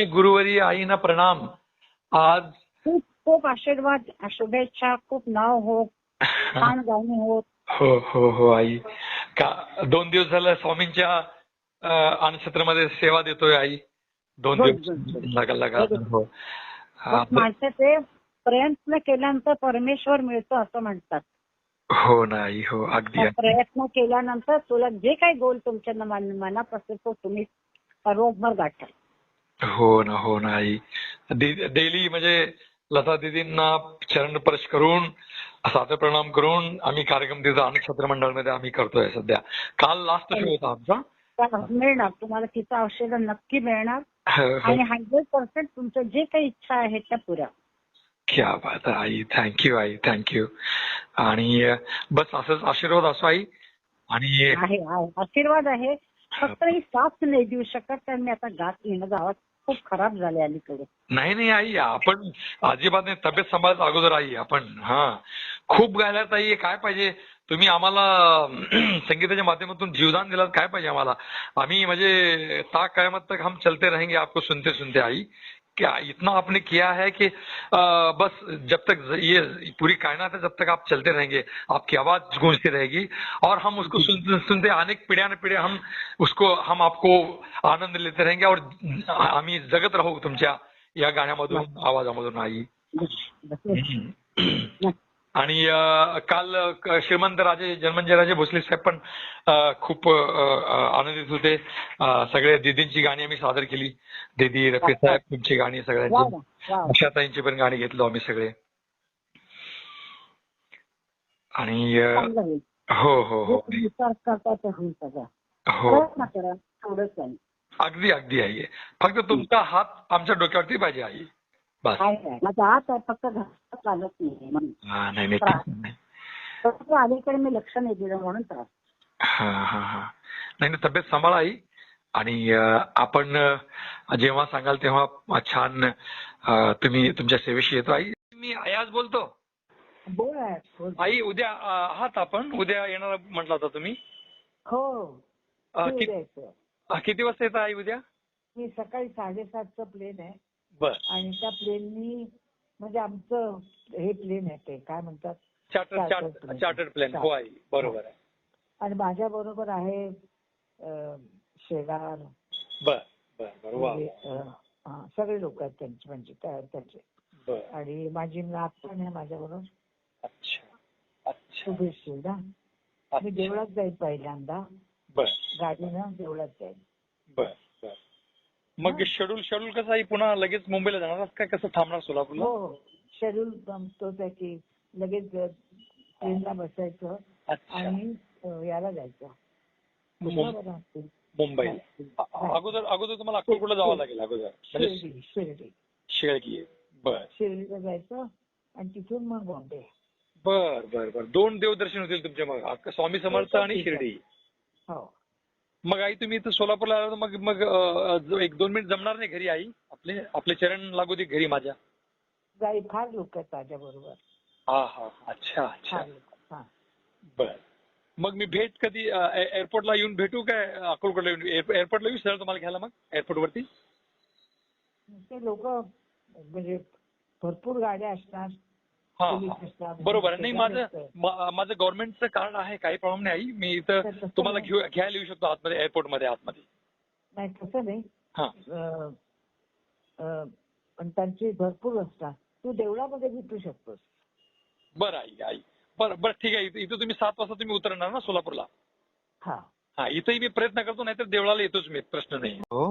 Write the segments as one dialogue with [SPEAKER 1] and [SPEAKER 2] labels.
[SPEAKER 1] गुरुवरी आईना प्रणाम. आज
[SPEAKER 2] खूप खूप आशीर्वाद, शुभेच्छा, खूप नाव हो, छान गाणी होत.
[SPEAKER 1] हो हो हो आई. का 2 दिवस झालं स्वामींच्या अणक्षेत्रामध्ये सेवा देतोय आई. 2 दिवस लगातार. हो.
[SPEAKER 2] माणसाचे प्रयत्न केल्यानंतर परमेश्वर मिळतो असं म्हणतात.
[SPEAKER 1] हो ना आई. हो अगदी.
[SPEAKER 2] प्रयत्न केल्यानंतर तुला जे काही गोल तुमच्या मनात असेल तो तुम्ही बरोबर गाठाल.
[SPEAKER 1] हो ना आई. डेली म्हणजे लता दीदींना चरण स्पर्श करून सादर प्रणाम करून आम्ही कार्यक्रम तिथं अणक्षेत्र मंडळमध्ये आम्ही करतोय सध्या. काल लास्ट शो होता आमचा.
[SPEAKER 2] मिळणार तुम्हाला तिचं औषध नक्की मिळणार आणि 100% तुमचं जे काही इच्छा आहे त्या पुऱ्या.
[SPEAKER 1] क्या बात आहे आई. थँक्यू आई. थँक्यू. आणि बस असंच आशीर्वाद असो आई. आणि
[SPEAKER 2] आहे आशीर्वाद आहे. फक्त ही साथ नाही देऊ शकत कारण मी आता गात येणं गावात खूप खराब झाले अलीकडे.
[SPEAKER 1] नाही आई आपण अजिबात नाही. तब्येत सांभाळत अगोदर आई आपण. खूप गायलात आई. काय पाहिजे तुम्ही आम्हाला संगीताच्या माध्यमातून जीवदान दिलात. काय पाहिजे आम्हाला. आम्ही म्हणजे ता कयामत तक हम चलते रहेंगे आपको सुनते सुनते आई. क्या इतना आपने किया है कि बस जब तक ये पूरी कायनात है जब तक आप चलते रहेंगे आपकी आवाज गूंजती रहेगी और हम उसको सुनते सुनते अनेक पिढ्या न पिढ्या हम आपको आनंद लेते रहेंगे और आम्ही जगत राहू तुमच्या या गाण्यामधून आवाजामधून आई. आणि काल श्रीमंत राजे जन्मंजय राजे भोसले साहेब पण खूप आनंदित होते. सगळे दीदींची गाणी आम्ही सादर केली. दीदी रफी साहेब तुमची गाणी सगळ्यांची आशाताईंची पण गाणी घेतलो आम्ही सगळे. आणि हो हो हो हो अगदी अगदी आई. फक्त तुमचा हात आमच्या डोक्यावरती पाहिजे आई. बस.
[SPEAKER 2] माझा हात आहे फक्त चालत नाही. अलीकडे मी लक्ष नाही दिलं म्हणून त्रास.
[SPEAKER 1] नाही तब्येत सांभाळा आई. आणि आपण जेव्हा सांगाल तेव्हा छान तुम्ही तुमच्या सेवेशी येतो आई. मी आज बोलतो. आई उद्या आहात आपण. उद्या येणार म्हटलं होता तुम्ही.
[SPEAKER 2] हो.
[SPEAKER 1] किती वाजता येतं आई उद्या.
[SPEAKER 2] मी सकाळी 7:30चं प्लेन आहे.
[SPEAKER 1] बर.
[SPEAKER 2] आणि त्या प्लेननी म्हणजे आमचं हे प्लेन आहे ते काय म्हणतात
[SPEAKER 1] चार्टर्ड प्लेन. हो आई बरोबर आहे.
[SPEAKER 2] आणि माझ्या बरोबर आहे शेगार.
[SPEAKER 1] बर बर.
[SPEAKER 2] सगळे लोक आहेत त्यांचे म्हणजे त्याचे. आणि माझी नात पण आहे माझ्या बरोबर.
[SPEAKER 1] अच्छा.
[SPEAKER 2] शुभेच्छा ना. मी देवळात जाईल पहिल्यांदा.
[SPEAKER 1] बर.
[SPEAKER 2] गाडीनं देवळात जाईल.
[SPEAKER 1] बर. मग शेड्यूल कसं आहे. पुन्हा लगेच मुंबईला जाणार काय कसं थांबणार सोलापूरला.
[SPEAKER 2] हो शेड्यूल तोच आहे की लगेच ट्रेनला बसायचं आणि याला जायचं
[SPEAKER 1] मुंबई. अगोदर तुम्हाला अक्कलकोटला जावं लागेल अगोदर. शिर्डी. बर.
[SPEAKER 2] शिर्डीला जायचं आणि तिथून मग बॉम्बे.
[SPEAKER 1] बर. 2 देवदर्शन होतील तुमचे मग स्वामी समर्थ आणि शिर्डी.
[SPEAKER 2] हो.
[SPEAKER 1] मग आई तुम्ही इथं सोलापूरला आला मग 1-2 मिनिट जमणार नाही घरी आई. आपले चरण लागू दे घरी माझ्या.
[SPEAKER 2] फार लोक आहेत माझ्या बरोबर.
[SPEAKER 1] अच्छा. बर. मग मी भेट कधी एअरपोर्टला येऊन भेटू काय अक्कलकोटला येऊन एअरपोर्टला येऊ सर तुम्हाला घ्यायला मग एअरपोर्ट वरती.
[SPEAKER 2] ते लोक म्हणजे भरपूर गाड्या असणार.
[SPEAKER 1] बरोबर आहे. नाही माझं गव्हर्नमेंटचं कार्ड आहे काही प्रॉब्लेम नाही आई. मी इथं तुम्हाला घ्यायला येऊ शकतो आतमध्ये एअरपोर्टमध्ये आतमध्ये.
[SPEAKER 2] नाही तसं नाही. पण त्यांची भरपूर असतात. तू देवळामध्ये भेटू शकतोस.
[SPEAKER 1] बरं आई. बरं ठीक आहे. इथं तुम्ही 7 वाजता तुम्ही उतरणार ना सोलापूरला. इथंही मी प्रयत्न करतो नाहीतर देवळाला येतोच मी. प्रश्न नाही. हो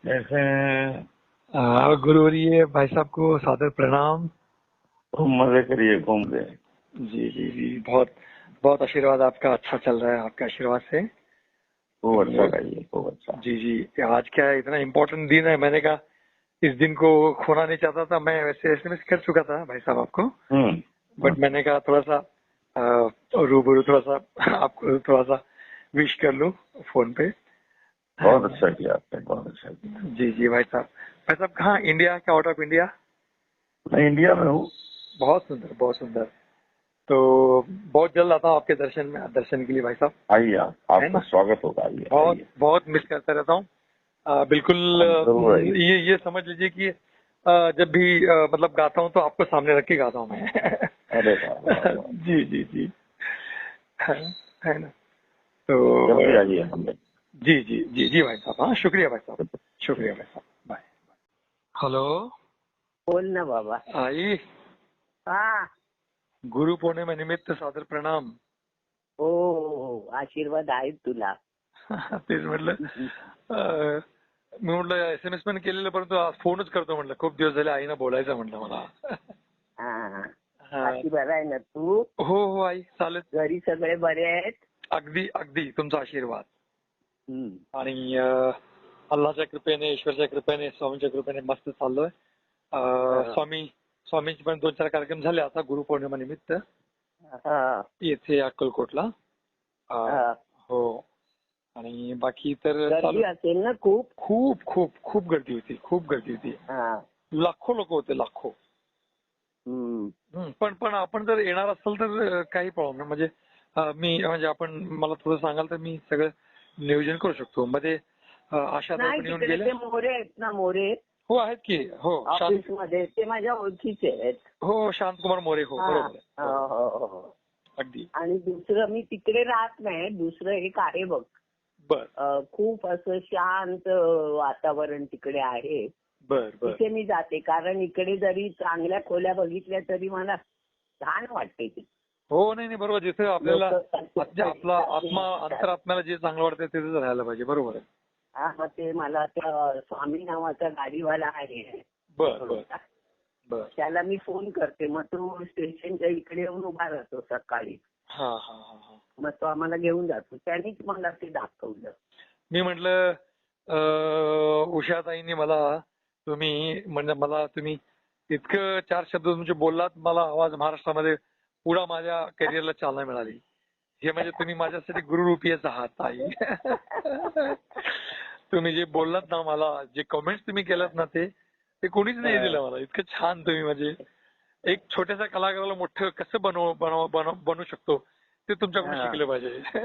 [SPEAKER 1] गुरुवरी भाई साहब को सादर प्रणाम.
[SPEAKER 3] मजे करिए घूम गए.
[SPEAKER 1] जी बहुत आशीर्वाद आपका. अच्छा चल रहा है आपके आशीर्वाद से.
[SPEAKER 3] खूब अच्छा गाइए. खूब अच्छा.
[SPEAKER 1] जी आज क्या है इतना इम्पोर्टेंट दिन है. मैंने कहा इस दिन को खोना नहीं चाहता था. मैं वैसे SMS कर चुका था भाई साहब आपको. बट मैंने कहा थोड़ा सा रूबरू थोड़ा सा आपको थोड़ा सा विश कर लूं फोन पे.
[SPEAKER 3] बहुत अच्छा किया आपने. बहुत अच्छा किया.
[SPEAKER 1] जी भाई साहब कहाँ इंडिया क्या आउट ऑफ इंडिया.
[SPEAKER 3] मैं इंडिया में हूँ.
[SPEAKER 1] बहुत सुंदर. तो बहुत जल्द आता हूँ आपके दर्शन के लिए भाई साहब.
[SPEAKER 3] आइए आपका स्वागत होगा. आइए.
[SPEAKER 1] बहुत मिस करता रहता हूँ. बिल्कुल
[SPEAKER 3] जरूर आइए।
[SPEAKER 1] ये समझ लीजिए कि जब भी मतलब गाता हूँ तो आपको सामने रख के गाता हूँ मैं।
[SPEAKER 3] अरे वाह, वाह, वाह।
[SPEAKER 1] जी जी जी है ना।
[SPEAKER 3] जल्दी
[SPEAKER 1] तो
[SPEAKER 3] आइए हमें।
[SPEAKER 1] जी जी जी जी भाई साहब, हाँ शुक्रिया भाई साहब, शुक्रिया भाई साहब, बाय। हेलो
[SPEAKER 2] बोल ना बाबा.
[SPEAKER 1] आई,
[SPEAKER 2] हा.
[SPEAKER 1] गुरु पौर्णिमेनिमित्त सादर प्रणाम.
[SPEAKER 2] हो हो हो. आशीर्वाद आहेत तुला.
[SPEAKER 1] तेच म्हटलं मी म्हटलं SMS पण केलेलं, परंतु आज फोनच करतो म्हटलं, खूप दिवस झाले आईनं बोलायचं म्हटलं मला.
[SPEAKER 2] हा.
[SPEAKER 1] हा.
[SPEAKER 2] बाकी बरा आहे ना तू?
[SPEAKER 1] हो हो आई चालेल.
[SPEAKER 2] घरी सगळे बरे आहेत?
[SPEAKER 1] अगदी अगदी तुमचा आशीर्वाद
[SPEAKER 2] हम्म.
[SPEAKER 1] आणि अल्लाच्या कृपेने, ईश्वरच्या कृपेने, स्वामींच्या कृपेने मस्त चाललोय. स्वामींचे पण 2-4 कार्यक्रम झाले आता गुरुपौर्णिमा निमित्त
[SPEAKER 2] हा.
[SPEAKER 1] येथे अक्कलकोटला.
[SPEAKER 2] हा.
[SPEAKER 1] हो. आणि बाकी तर
[SPEAKER 2] गर्दी असेल ना खूप?
[SPEAKER 1] खूप खूप खूप गर्दी होती, खूप गर्दी होती.
[SPEAKER 2] हा.
[SPEAKER 1] लाखो लोक होते, लाखो.
[SPEAKER 2] हम्म.
[SPEAKER 1] पण आपण जर येणार असाल तर काही प्रॉब्लेम नाही. म्हणजे म्हणजे आपण मला थोडं सांगाल तर मी सगळं नियोजन करू शकतो. मध्ये आशा
[SPEAKER 2] नाही
[SPEAKER 1] पण येऊन
[SPEAKER 2] तिकडे
[SPEAKER 1] गेले.
[SPEAKER 2] ते मोरे आहेत ना, मोरे
[SPEAKER 1] हो आहेत की. हो
[SPEAKER 2] ऑफिस मध्ये, ते माझ्या ओळखीचे आहेत.
[SPEAKER 1] हो शांतकुमार मोरे. हो बरोबर आहे.
[SPEAKER 2] हो हो हो.
[SPEAKER 1] अगदी.
[SPEAKER 2] आणि दुसरं, मी तिकडे राहत नाही, दुसरं एक आहे बघ.
[SPEAKER 1] बर
[SPEAKER 2] खूप असं शांत वातावरण तिकडे आहे.
[SPEAKER 1] बर बर.
[SPEAKER 2] तिथे मी जाते, कारण इकडे जरी चांगल्या खोल्या बघितल्या तरी मला छान वाटते ते.
[SPEAKER 1] हो नाही बरोबर. जिथे आपल्याला
[SPEAKER 2] लोकं-
[SPEAKER 1] आपला आत्मा, अंतरात्म्याला जे चांगलं वाटतं तिथेच राहायला पाहिजे. बरोबर आहे.
[SPEAKER 2] हा, मग ते मला त्या स्वामी नावाचा गाडीवाला आहे.
[SPEAKER 1] बर बर बर.
[SPEAKER 2] त्याला मी फोन करते, मग तो स्टेशनच्या इकडे येऊन उभा राहतो सकाळी.
[SPEAKER 1] हा हा हा हा.
[SPEAKER 2] मग तो आम्हाला घेऊन जातो. त्यानेच मला ते दाखवलं.
[SPEAKER 1] मी म्हटलं उषाताईंनी मला तुम्ही इतकं 4 शब्द तुमचे बोललात, मला आवाज महाराष्ट्रामध्ये पुढे माझ्या करिअरला चालना मिळाली. हे म्हणजे तुम्ही माझ्यासाठी गुरुरूपीच आहात आई. तुम्ही जे बोललात ना, मला जे कमेंट्स तुम्ही केलात ना, ते कोणीच नाही दिलं मला. इतकं छान तुम्ही, म्हणजे एक छोट्याशा कलाकाराला मोठं कसं बनवू शकतो ते तुमच्याकडून शिकलं पाहिजे.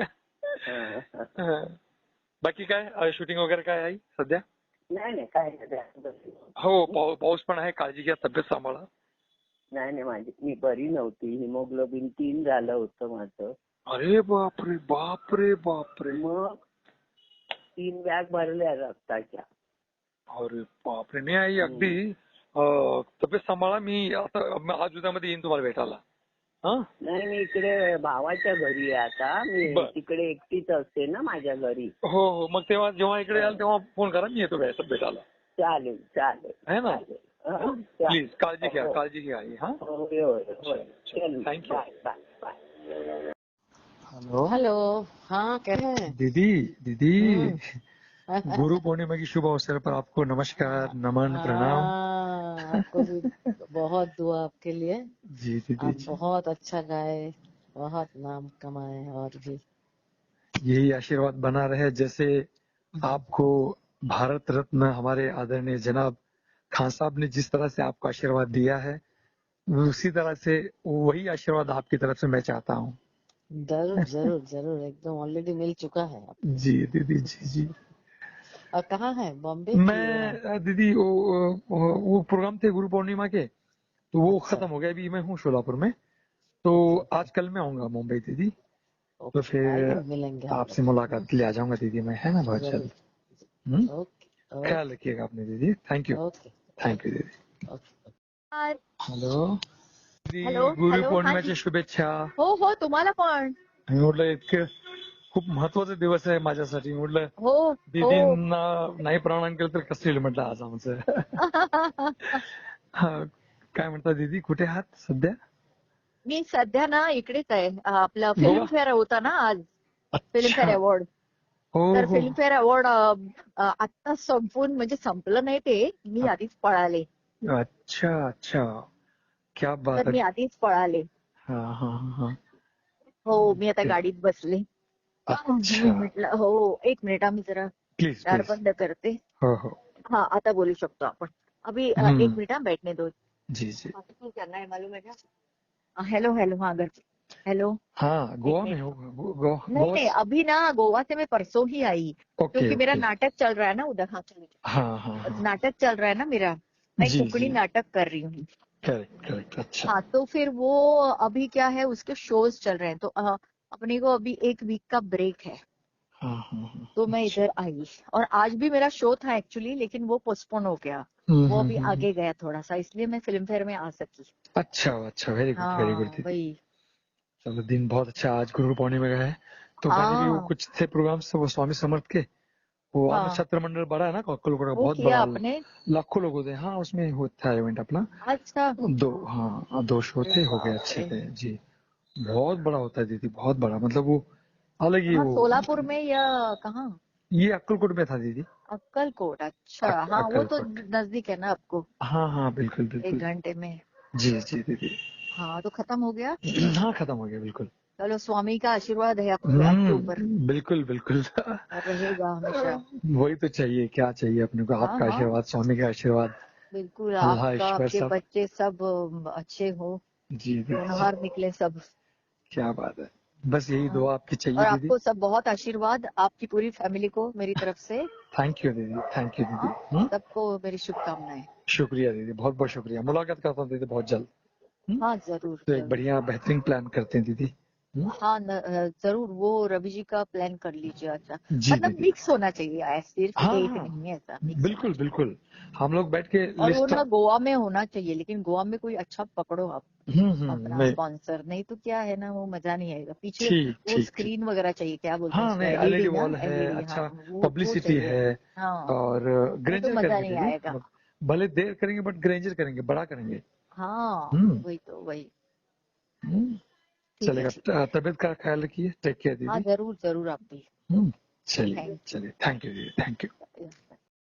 [SPEAKER 1] बाकी काय शूटिंग वगैरे काय आहे सध्या?
[SPEAKER 2] नाही काय नाही.
[SPEAKER 1] हो पाऊस पण आहे, काळजी घ्या, तब्येत सांभाळा.
[SPEAKER 2] नाही मी बरी नव्हती. हिमोग्लोबिन 3 झालं होतं माझं.
[SPEAKER 1] अरे बापरे बापरे बापरे.
[SPEAKER 2] मग 3 बॅग भरल्या रक्ताच्या.
[SPEAKER 1] अरे बापरे. नाही आई अगदी तब्येत सांभाळा. मी आता आज उद्यामध्ये येईन तुम्हाला भेटायला.
[SPEAKER 2] नाही, मी इकडे भावाच्या घरी आहे आता. मी तिकडे एकटीच असते ना माझ्या घरी.
[SPEAKER 1] हो हो. मग तेव्हा जेव्हा इकडे याल तेव्हा फोन करा, मी येतो भेटायला.
[SPEAKER 2] चालेल
[SPEAKER 1] आहे ना. प्लीज काळजी घ्या आई. हा थँक्यू.
[SPEAKER 2] बाय.
[SPEAKER 4] हेलो. हाँ कैसे हैं?
[SPEAKER 1] दीदी गुरु पूर्णिमा की शुभ अवसर पर आपको नमस्कार, नमन, प्रणाम.
[SPEAKER 4] आपको भी बहुत दुआ आपके लिए.
[SPEAKER 1] जी दीदी
[SPEAKER 4] आप बहुत अच्छा गाए, बहुत नाम कमाए, और भी
[SPEAKER 1] यही आशीर्वाद बना रहे. जैसे आपको भारत रत्न हमारे आदरणीय जनाब खान साहब ने जिस तरह से आपको आशीर्वाद दिया है, उसी तरह से वही आशीर्वाद आपकी तरफ से मैं चाहता हूँ.
[SPEAKER 4] जरूर एकदम ऑलरेडी मिल चुका है.
[SPEAKER 1] जी दीदी जी.
[SPEAKER 4] और कहाँ है? बॉम्बे?
[SPEAKER 1] मैं दीदी वो प्रोग्राम थे गुरु पूर्णिमा के, तो वो
[SPEAKER 4] अच्छा.
[SPEAKER 1] खत्म हो गया. अभी मैं हूँ शोलापुर में, तो आज कल मैं आऊंगा मुंबई दीदी. तो फिर
[SPEAKER 4] मिलेंगे
[SPEAKER 1] आपसे मुलाकात के लिए आ जाऊंगा दीदी मैं, है ना, बहुत जल्द.
[SPEAKER 4] ओके.
[SPEAKER 1] ख्याल रखिएगा आपने दीदी. थँक्यू दीदी. Hello
[SPEAKER 5] hello.
[SPEAKER 1] गुरु पौर्णिमेच्या शुभेच्छा.
[SPEAKER 5] हो तुम्हाला पण.
[SPEAKER 1] मी म्हटलं इतकं खूप महत्वाचा दिवस आहे माझ्यासाठी. म्हटलं
[SPEAKER 5] हो
[SPEAKER 1] दीदींना नाही प्रणाम केलं तर कसं येईल म्हटलं आज आमचं. काय म्हणता दीदी, कुठे आहात सध्या?
[SPEAKER 5] मी सध्या ना इकडेच आहे. आपलं फिल्मफेअर होता ना आज, फिल्मफेअर अवॉर्ड. तर फिल्मफेअर अवॉर्ड आता संपून, म्हणजे संपलं नाही ते, मी आधीच पळाले.
[SPEAKER 1] अच्छा क्या बात
[SPEAKER 5] तर मी आधीच पळाले.
[SPEAKER 1] हा.
[SPEAKER 5] हो, मी आता गाडीत बसले. मी म्हटलं हो, 1 मिनिट आम्ही जरा
[SPEAKER 1] प्लीज
[SPEAKER 5] दार बंद करते.
[SPEAKER 1] हो.
[SPEAKER 5] हाँ आता बोलू शकतो आपण. अभी 1 मिनिट बैठने दो.
[SPEAKER 1] जी.
[SPEAKER 5] करना है मालूम है क्या? हेलो हाँ घर. हेलो।
[SPEAKER 1] हाँ गोवा में हो गोवा
[SPEAKER 5] नहीं नहीं,
[SPEAKER 1] गोवा
[SPEAKER 5] अभी ना गोवा से मैं परसों ही आई,
[SPEAKER 1] ओके
[SPEAKER 5] क्योंकि मेरा
[SPEAKER 1] ओके
[SPEAKER 5] नाटक चल रहा है ना उधर। हाँ चलो,
[SPEAKER 1] हाँ हाँ हाँ
[SPEAKER 5] नाटक चल रहा है ना मेरा, मैं
[SPEAKER 1] जी
[SPEAKER 5] कुकड़ी
[SPEAKER 1] जी
[SPEAKER 5] नाटक कर रही हूँ।
[SPEAKER 1] करेक्ट करेक्ट अच्छा
[SPEAKER 5] हाँ तो फिर वो अभी क्या है, उसके शोज चल रहे हैं, तो अपने को अभी एक वीक का ब्रेक है,
[SPEAKER 1] हाँ हाँ हाँ
[SPEAKER 5] तो मैं
[SPEAKER 1] अच्छा
[SPEAKER 5] इधर आई। और आज भी मेरा शो था एक्चुअली, लेकिन वो पोस्टपोन हो गया, वो अभी
[SPEAKER 1] हम्म।
[SPEAKER 5] आगे गया थोड़ा सा, इसलिए मैं फिल्म फेयर में आ सकी।
[SPEAKER 1] अच्छा अच्छा वेरी गुड
[SPEAKER 5] हाँ
[SPEAKER 1] दीदी
[SPEAKER 5] वही।
[SPEAKER 1] चलो दिन बहुत अच्छा आज गुरु पूर्णिमा का है तो मैंने भी वो
[SPEAKER 5] हाँ
[SPEAKER 1] कुछ थे प्रोग्राम से वो स्वामी समर्थ के वो अन्न
[SPEAKER 5] हाँ,
[SPEAKER 1] छत्र मंडल बड़ा है ना अक्कलकोट का
[SPEAKER 5] वो
[SPEAKER 1] बहुत
[SPEAKER 5] किया
[SPEAKER 1] बड़ा
[SPEAKER 5] आपने?
[SPEAKER 1] लाखों लोग होते हैं हाँ उसमें होता है इवेंट अपना
[SPEAKER 5] अच्छा।
[SPEAKER 1] दो हाँ दो शो
[SPEAKER 5] अरे
[SPEAKER 1] थे हो गए
[SPEAKER 5] बाप
[SPEAKER 1] अच्छे
[SPEAKER 5] रे।
[SPEAKER 1] थे जी बहुत बड़ा होता है दीदी बहुत बड़ा मतलब वो अलग ही
[SPEAKER 5] कहाँ,
[SPEAKER 1] वो
[SPEAKER 5] सोलापुर में या कहाँ?
[SPEAKER 1] ये अक्कलकोट में था दीदी
[SPEAKER 5] अक्कलकोट, अच्छा। हाँ वो तो
[SPEAKER 1] अक्कलकोट
[SPEAKER 5] नजदीक है ना आपको,
[SPEAKER 1] हाँ हाँ बिल्कुल
[SPEAKER 5] एक
[SPEAKER 1] बिल्कुल
[SPEAKER 5] घंटे में।
[SPEAKER 1] जी जी दीदी
[SPEAKER 5] हाँ तो खत्म हो गया।
[SPEAKER 1] हाँ खत्म हो गया बिल्कुल
[SPEAKER 5] चलो, स्वामी का आशीर्वाद है आपके ऊपर,
[SPEAKER 1] बिल्कुल बिल्कुल
[SPEAKER 5] और रहेगा हमेशा।
[SPEAKER 1] वही तो चाहिए क्या चाहिए अपने को
[SPEAKER 5] हाँ
[SPEAKER 1] आपका
[SPEAKER 5] हाँ,
[SPEAKER 1] आशीर्वाद स्वामी का आशीर्वाद
[SPEAKER 5] बिल्कुल,
[SPEAKER 1] अल्लाह
[SPEAKER 5] आपका,
[SPEAKER 1] ईश्वर
[SPEAKER 5] आपके
[SPEAKER 1] सब
[SPEAKER 5] बच्चे सब अच्छे हो,
[SPEAKER 1] जी दीदी
[SPEAKER 5] होनहार निकले सब।
[SPEAKER 1] क्या बात है बस यही
[SPEAKER 5] हाँ।
[SPEAKER 1] दुआ आपकी चाहिए
[SPEAKER 5] और
[SPEAKER 1] दीदी
[SPEAKER 5] आपको सब बहुत आशीर्वाद, आपकी पूरी फैमिली को मेरी तरफ से।
[SPEAKER 1] थैंक यू दीदी थैंक यू दीदी
[SPEAKER 5] हाँ, सबको मेरी शुभकामनाएं।
[SPEAKER 1] शुक्रिया दीदी बहुत बहुत शुक्रिया
[SPEAKER 5] हाँ
[SPEAKER 1] मुलाकात करता हूँ दीदी बहुत जल्द
[SPEAKER 5] हाँ, जरूर
[SPEAKER 1] तो एक
[SPEAKER 5] जरूर।
[SPEAKER 1] बढ़िया बेहतरीन प्लान करते हैं दीदी
[SPEAKER 5] हाँ जरूर, वो रवि जी का प्लान कर लीजिए। अच्छा,
[SPEAKER 1] जी
[SPEAKER 5] मतलब
[SPEAKER 1] दीदी
[SPEAKER 5] मिक्स होना चाहिए, सिर्फ
[SPEAKER 1] हाँ
[SPEAKER 5] एक
[SPEAKER 1] हाँ
[SPEAKER 5] नहीं है, ऐसा मिक्स होना
[SPEAKER 1] बिल्कुल
[SPEAKER 5] चाहिए।
[SPEAKER 1] बिल्कुल हम लोग बैठ के
[SPEAKER 5] और वो
[SPEAKER 1] लिस्ट
[SPEAKER 5] ना गोवा में होना चाहिए, लेकिन गोवा में कोई अच्छा पकड़ो आप अपना
[SPEAKER 1] मैं
[SPEAKER 5] स्पॉन्सर, नहीं तो क्या है ना, वो मजा नहीं आएगा पीछे।
[SPEAKER 1] ठीक
[SPEAKER 5] वो
[SPEAKER 1] ठीक ठीक
[SPEAKER 5] स्क्रीन वगैरह चाहिए, क्या बोलते हैं
[SPEAKER 1] हाँ
[SPEAKER 5] उसको,
[SPEAKER 1] नहीं एलईडी
[SPEAKER 5] एलईडी ना,
[SPEAKER 1] वॉल है
[SPEAKER 5] एलईडी, हाँ
[SPEAKER 1] अच्छा
[SPEAKER 5] वो
[SPEAKER 1] पब्लिसिटी
[SPEAKER 5] चाहिए।
[SPEAKER 1] है
[SPEAKER 5] हाँ,
[SPEAKER 1] और
[SPEAKER 5] नहीं तो
[SPEAKER 1] ग्रेंजर
[SPEAKER 5] मजा
[SPEAKER 1] करेंगे
[SPEAKER 5] नहीं
[SPEAKER 1] दीदी
[SPEAKER 5] आएगा।
[SPEAKER 1] भले देर करेंगे बट ग्रेंजर करेंगे बड़ा करेंगे
[SPEAKER 5] हाँ
[SPEAKER 1] हम्म
[SPEAKER 5] वही तो वही।
[SPEAKER 1] हम्म,
[SPEAKER 5] ठीक है
[SPEAKER 1] चलेगा
[SPEAKER 5] ठीक है।
[SPEAKER 1] तबीयत का ख्याल रखिए टेक केयर
[SPEAKER 5] हाँ
[SPEAKER 1] दीदी
[SPEAKER 5] जरूर जरूर, आप भी।
[SPEAKER 1] चलिए
[SPEAKER 5] थैंक यू।
[SPEAKER 1] चलिए थैंक यू दीदी थैंक यू